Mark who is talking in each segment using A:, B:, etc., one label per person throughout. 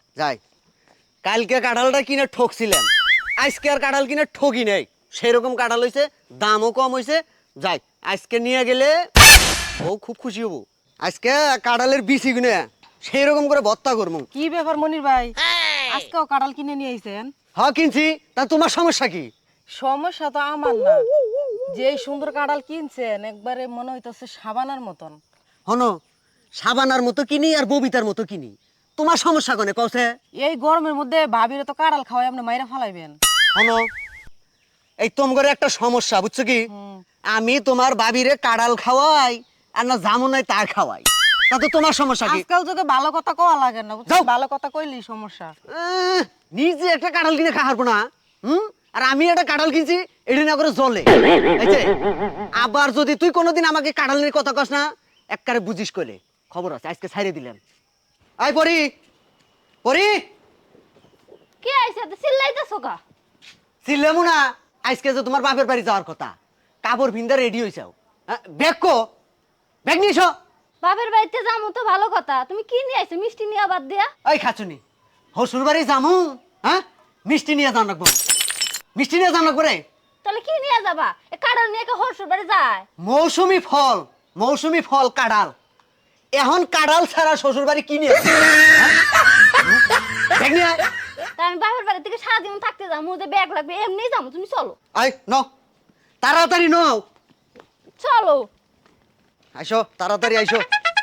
A: যাই, কালকে কাঁঠালটা কিনে ঠকছিলেন, আজকে আর কাঁঠাল কিনে ঠকি নেই, সেরকম কাঁঠাল হয়েছে, দামও কম হয়েছে। যাই, আজকে নিয়ে গেলে বউ খুব খুশি হবো। আজকে কাঁঠালের বিচি কিনে সেই রকম করে ভর্তা করবো।
B: কি ব্যাপার মনির ভাই, আজকেও কাঁঠাল কিনে নিয়ে আইছেন?
A: হ্যাঁ কিনছি, তা তোমার সমস্যা কি?
B: সমস্যা তো আমার না, যে এই সুন্দর কাঁঠাল কিনছেন একবারে মনে হইতেছে সাবানার মতন।
A: হনো, সাবানার মতো কিনি আর ববিতার মতো কিনি, তোমার সমস্যা কোনে কওছে?
B: এই গরমের মধ্যে ভাবিরে তো কাঁঠাল খাওয়াই আপনি মাইরা ফালাইবেন।
A: হনো, এই তোমার একটা সমস্যা বুঝছো কি? আমি তোমার বাবিরে কাঁঠাল খাওয়াই আর না জামু নাই তা খাওয়াই, তাতে তোমার সমস্যা কি?
B: আজকাল যুগে ভালো কথা কওয়া লাগে না, বুঝছো?
A: যাও।
B: ভালো কথা কইলেই সমস্যা।
A: নিজে একটা কাঁঠাল কিনে খাওয়ার না, আর আমি একটা কাঁঠাল কিনছি, এটা না করে জলে। এই যে, আবার যদি তুই কোনোদিন আমাকে কাঁঠাল নিয়ে কথা কস না, একবারে বুঝিস কইলে খবর আছে, আজকে ছাইরে দিলেন। আয় পরি, পরি
C: কে আইছে তো চিল্লাইতেছো কা?
A: চিল্লামু না, আজকে যে তোমার বাপের বাড়ি যাওয়ার কথা, কাপড় ভিন্দা রেডি হইছাও, ব্যাগ কো, ব্যাগ নিয়েছ?
C: বাপের বাড়িতে যামু তো ভালো কথা, তুমি কি নিয়ে আইছো? মিষ্টি নিয়ে বাদ দিয়া?
A: ওই খাচুনি, হসুর বাড়ি যামু, হ্যাঁ মিষ্টি নিয়ে যান রাখবো, মিষ্টি নিয়ে যান রাখবো রে।
C: তাহলে কি নিয়ে যাবা? এ কাঁঠাল নিয়ে কে হরশুর বাড়ি যায়?
A: মৌসুমি ফল, মৌসুমি ফল কাঁঠাল, এখন কাঁঠাল ছাড়া শ্বশুর বাড়ি কি নিয়ে আসবে? হ্যাঁ? ব্যাগ নিয়ে আয়।
C: তা আমি বাপের বাড়ি থেকে সারাদিন থাকতে যাবো, যে ব্যাগ লাগবে এমনি যাবো, তুমি চলো।
A: আয় ন, তাড়াতাড়ি নও,
C: চলো।
A: আইসো তাড়াতাড়ি আইসো।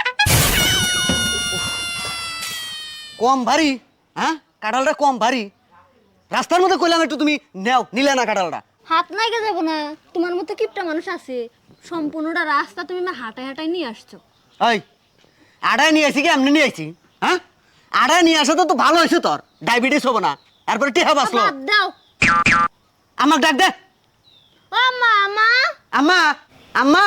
A: উফ, কম ভারী, হ্যাঁ কাঁঠালটা কম ভারী, রাস্তার মধ্যে কইলাম একটু তুমি নেও, নিলে না কাঁঠালটা।
C: হাত নাইকে যাবো না, তোমার মতো কিপটা মানুষ আছে? সম্পূর্ণটা রাস্তা তুমি না হাঁটায় হাঁটায় নিয়ে আসছো।
A: ওই আড়াই নিয়ে আসি কি এমনি নিয়ে আসি? হ্যাঁ আড়াই নিয়ে আসা তো ভালো হয়েছে, তোর ডায়াবেটিস হবো না, এরপরে টিহা বাঁচলো।
C: বাদ দাও।
A: আমাকে ডাক দে।
C: ও মামা,
A: আম্মা, আম্মা,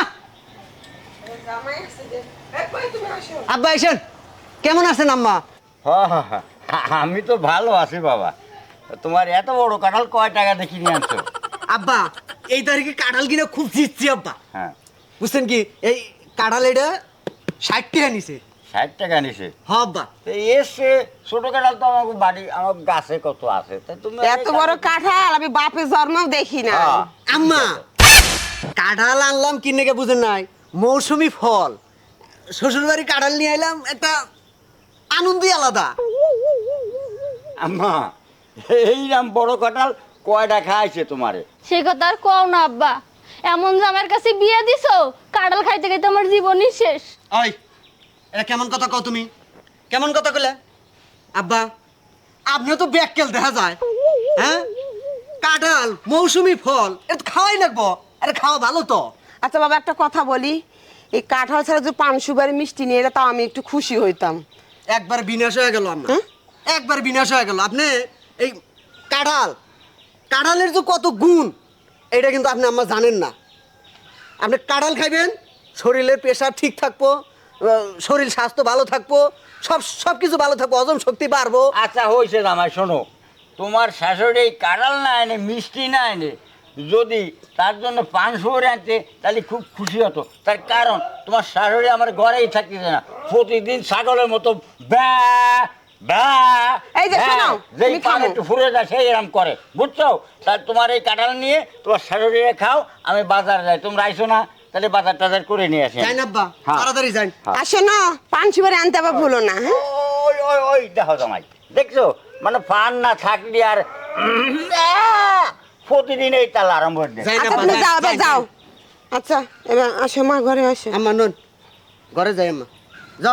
A: আব্বা আইসেন, কেমন আছেন আম্মা?
D: আমি তো ভালো আছি বাবা। তোমার এত বড় কাঁঠাল কয় টাকা দেখি নিয়ে আনছো?
A: আব্বা এই তারিখে কাঁঠাল কিনে খুব জিতছি আব্বা,
D: হ্যাঁ,
A: বুঝছেন কি? এই কাঁঠাল এটা 60 টাকা নিছে।
D: 60 টাকা নিছে।
A: হ আব্বা,
D: তো এসে ছোট কাঁঠাল তো আমার বাড়ি, আমার গাছে কত আছে, তা তুমি
B: এত বড় কাঁঠাল আমি বাপের জন্মও দেখি না।
D: হ্যাঁ।
A: আম্মা কাঁঠাল আনলাম কিনে কে বুঝেন নাই, মৌসুমি ফল, শ্বশুর বাড়ি কাঁঠাল নিয়ে আইলাম, একটা আনন্দই আলাদা।
D: আম্মা এইরকম বড় কাঁঠাল কয়টা খাইছে তোমারে?
C: সে কথা আর কও না আব্বা, এমন যে আমার কাছে বিয়ে দিছো, কাঁঠাল খাইতে খাইতে আমার জীবনই শেষ।
A: ওই এটা কেমন কথা কও তুমি, কেমন কথা কইলে? আব্বা আপনিও তো ব্যাককেল দেখা যায়, হ্যাঁ কাঁঠাল মৌসুমি ফল, এটা তো খাওয়াই লাগবো, আরে খাওয়া ভালো তো।
B: আচ্ছা বাবা একটা কথা বলি, এই কাঁঠাল ছাড়া যদি পান সুপারি মিষ্টি নিয়ে এলে তাও আমি একটু খুশি হইতাম।
A: একবার বিনাশ হয়ে গেল আম্মা, একবার বিনাশ হয়ে গেল। আপনি এই কাঁঠাল, কাঁঠালের যে কত গুণ এটা কিন্তু আপনি আম্মা জানেন না। আপনি কাঁঠাল খাইবেন, শরীরের প্রেশার ঠিক থাকবো, শরীর স্বাস্থ্য ভালো থাকবো, সব কিছু ভালো থাকবো, হজম শক্তি বাড়বো।
D: আচ্ছা হয়েছে জামাই, শোনো, তোমার শাশুড়ি কাঁঠাল না এনে, মিষ্টি না এনে যদি তার জন্য পান শুয়োর আনতে, তাহলে খুব খুশি হতো। তার কারণ তোমার শাশুড়ি আমার ঘরেই থাকতেছে না, প্রতিদিন ছাগলের মতো ব্যা ব্যা
B: এই যে শোনো,
D: যেই
B: তুমি
D: পান
B: থামো।
D: একটু ফুরে যায় সেই এরম করে, বুঝছো? তার তোমার এই কাঁঠাল নিয়ে তোমার শাশুড়িরে খাও, আমি বাজার যাই, তোমরা আইসো না, তাহলে বাজার টাজার করে নিয়ে আসি।
A: যাই না আব্বা,
D: হ্যাঁ।
A: তাড়াতাড়ি যাই।
B: আসো না, পান সুপারি আনতে আবার ভুলো না, হ্যাঁ?
D: ওই ওই ওই দেখো জামাই, দেখছো মানে পান না থাকলে আর প্রতিদিন এই তাল আরম্ভ হয়ে যায়।
A: যাই না
B: আচ্ছা
A: আব্বা,
B: তুমি
A: যাই,
B: যাও এবার
A: যাই,
B: যাও।
A: যাই।
B: আচ্ছা এবার আসো মা, ঘরে আসো।
A: আম্মা নুন ঘরে যাই, আম্মা যাও,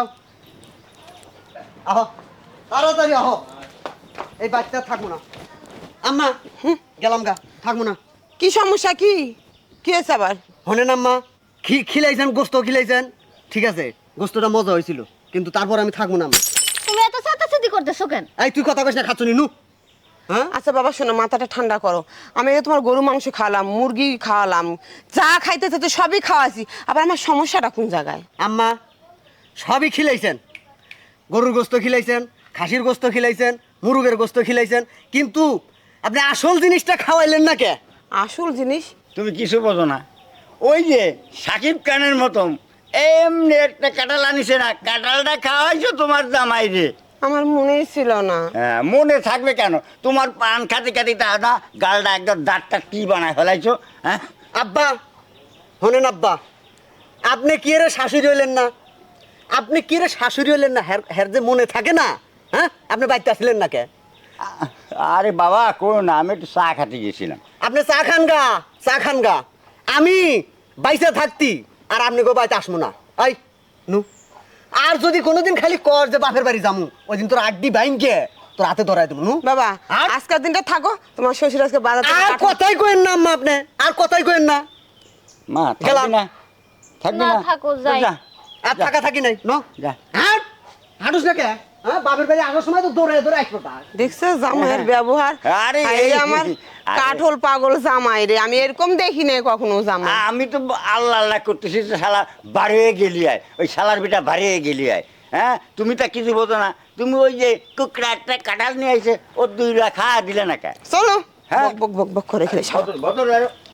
A: আহ তাড়াতাড়ি আহ, এই বাচ্চা থাকবো না আম্মা, গেলাম গা, থাকবো না।
B: কি সমস্যা, কি কি হয়েছে আবার?
A: হনেন আম্মা, খিলাইছেন, গোস্ত খিলাইছেন, ঠিক আছে গোস্তটা মজা হয়েছিল, কিন্তু তারপর আমি থাকবো না আম্মা।
C: তুমি এত চাতাচাতি করতেছো কেন?
A: এই তুই কথা কইস না, খাচ্ছ নু, হ্যাঁ
B: আচ্ছা বাবা শোনো, মাথাটা ঠান্ডা করো। আমি এই তোমার গরু মাংস খাওয়ালাম, মুরগি খাওয়ালাম, যা খাইতে চাইতে সবই খাওয়াছি, আবার আমার সমস্যাটা কোন জায়গায়?
A: আম্মা সবই খিলাইছেন, গরুর গোস্ত খিলাইছেন, খাসির গোস্ত খিলাইছেন, মুরগের গোস্ত খিলাইছেন, কিন্তু আপনি আসল জিনিসটা খাওয়াইলেন না কে?
B: আসল জিনিস?
D: তুমি কিছু বোঝো না, ওই যে সাকিব খানের মতন এমনি একটা কাঁঠাল আনিছে না, কাঁঠালটা খাওয়াইছো তোমার জামাই রে।
B: আমার মনেই ছিল না।
D: হ্যাঁ, মনে থাকবে কেন? তোমার পান খাতে খাতে দাদা গালটা একদম দাঁতটা কি বানায় ফেলাইছো, হ্যাঁ?
A: আব্বা শোনেন আব্বা, আপনি কি রে শাশুড়ি হইলেন না? আপনি কি রে শাশুড়ি হইলেন না? হের যে মনে থাকে না, হ্যাঁ? আপনি বাড়িতে আসলেন না কে?
D: আরে বাবা কোনো না, আমি একটু চা খাতে গেছিলাম।
A: আপনি চা খান গা, চা খান গা। আমি বাইসা থাকতি আর আপনি গো বাড়িতে আসবো না। আই নু, আর যদি কোনোদিন খালি কর যে বাপের বাড়ি যামু, ওই দিন তোর আড্ডি বাইনকে তোর হাতে ধরাই দেবো নু।
B: বাবা
A: আর?
B: আজকের দিনটা থাকো, তোমার শ্বশুর আজকে বাজার থেকে
A: আর
B: কাঁঠাল-
A: কথাই কইেন না আম্মা, আপনি আর কথাই কইেন না।
D: মা থাকবি
A: গেলাম।
D: না? থাকবি
C: না,
D: না?
C: থাকো, যাই।
D: যা,
A: আর
D: যা।
A: থাকা থাকি নাই ন।
D: যা।
A: হ্যাঁ হাঁটুস না কে? হ্যাঁ বাপের বাড়ি আসার সময় তো দৌড়ে দৌড়ে আসবো তা।
B: দেখছো জামাইয়ের ব্যবহার?
D: আরে
B: এই
D: এই-
B: আমার
D: আরে-
B: কাঠল পাগল জামাই রে, আমি এরকম দেখি নাই কখনো জামাই।
D: আমি তো আল্লাহ আল্লাহ করতেছি যে শালা বাড়ি হয়ে গেলি আয়, ওই শালার বেটা বাড়ি হয়ে গেলি আয়। হ্যাঁ, তুমি তা কিছু বোঝো না। তুমি ওই যে কুকড়া একটা কাঁঠাল নিয়ে আইছে, ও 2 লাখ খাওয়া দিলে না কে?
B: চলো
D: হ্যাঁ।
B: বক বক বক বক করে খেলে সব
D: বদল